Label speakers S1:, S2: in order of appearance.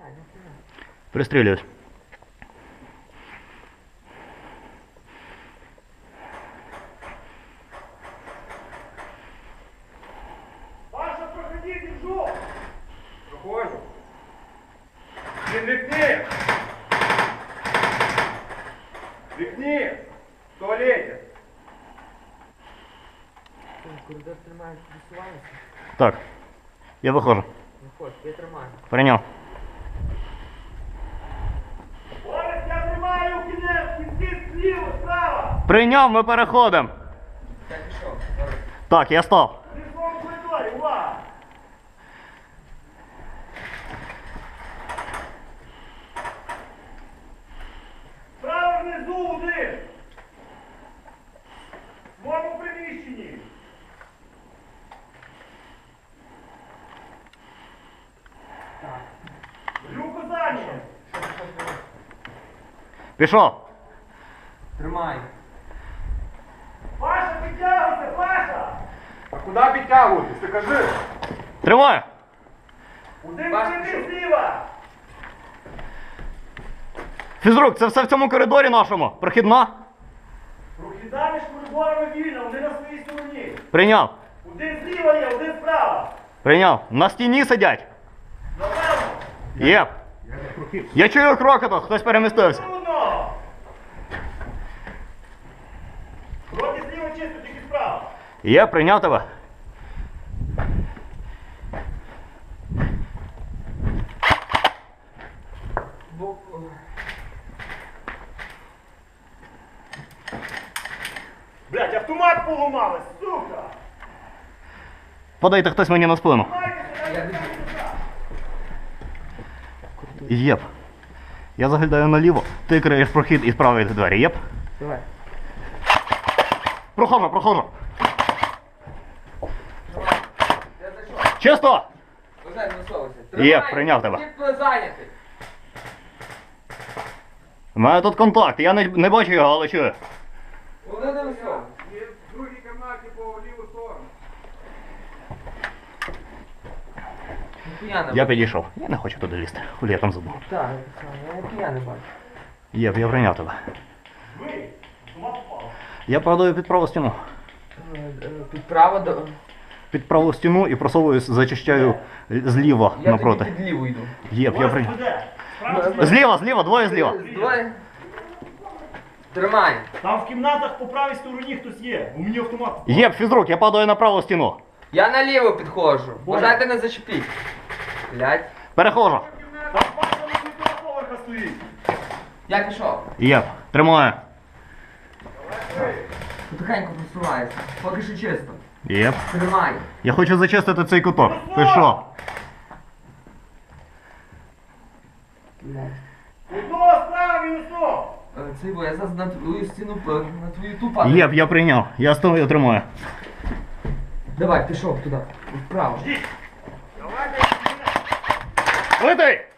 S1: Пристрелююсь.
S2: Паша, проходи, держу! Проходжу. Він вікні! Вікні! В туалеті!
S3: Коридор тримаєш, висуваєшся?
S1: Так. Я выхожу.
S3: Виходь, я тримаю.
S1: Принял.
S2: Орес, я тримаю в кінці зліва, справа!
S1: Принял, мы переходим.
S3: Я пішов.
S1: Так, я стал.
S2: Ти в своєму коридорі, увага! Справа внизу один! В своєму приміщенні!
S3: Так.
S2: Люку зайняв!
S1: Пішов.
S3: Тримай.
S2: Паша, підтягуйся, Паша!
S4: А куди підтягуватись? Ти кажи.
S1: Тримаю.
S2: Один
S3: Паша,
S2: прийди
S3: пішов.
S2: зліва!
S1: Фізрук, це все в цьому коридорі нашому. Прохідна.
S2: Прохідна між коридорами вільна, один на своїй стороні.
S1: Прийняв.
S2: Один зліва є, один справа.
S1: Прийняв. На стіні сидять.
S2: Напевно.
S1: Є. Я чую кроки тут, хтось перемістився.
S2: Трудно. Вроді зліва чисто, тільки справа.
S1: Є, прийняв тебе.
S3: Бо...
S2: Блять, автомат поламали, сука!
S1: Подайте хтось мені на спину. Єп. Я заглядаю наліво, ти криєш прохід і справа йде двері. Єп.
S3: Давай.
S1: Прохожу, прохожу.
S3: Я зайшов.
S1: Чисто!
S3: Уже не висовуйся.
S1: Є, прийняв тебе.
S3: Тіп зайнятий.
S1: У мене тут контакт, я не бачу його, але чую.
S3: Вони не висовуйся.
S4: І в другій кімнаті по ліву сторону.
S3: Ніхуя не
S1: Я
S3: бачу.
S1: підійшов. Я не хочу туди лізти. Хулі я там забув.
S3: Так, я ніхуя не бачу.
S1: Єп, я прийняв тебе.
S2: Ви, автомат впав.
S1: Я падаю під праву стіну.
S3: Підправа до...
S1: Під праву стіну і просовуюсь, зачищаю зліва
S3: Я
S1: напроти.
S3: тоді під ліву йду.
S1: Єп, я
S2: Ось
S1: прийняв.
S2: веде. Справа чи зліва?
S1: Зліва, зліва, двоє зліва.
S3: Двоє. Тримай.
S2: Там в кімнатах по правій стороні хтось є. У мені автомат впав.
S1: Єп, фізрук, я падаю на праву стіну.
S3: Я наліво підходжу. Бажайте не зачепіть. Блять.
S1: Перехожу.
S2: Там Паша на світового поверха стоїть.
S3: Я пішов.
S1: Єп, тримаю.
S3: Потихеньку просувається. Поки що чисто.
S1: Єп.
S3: Тримай.
S1: Я хочу зачистити цей куток. Пішов.
S3: Блять.
S2: Одного справа, мінусо.
S3: Цей бо я зараз на твою стіну, на твою ту падаю.
S1: Єп, я прийняв. Я стою, тримаю.
S3: Давай, пішов туди. Вправо.
S2: Давайте.
S1: Летий!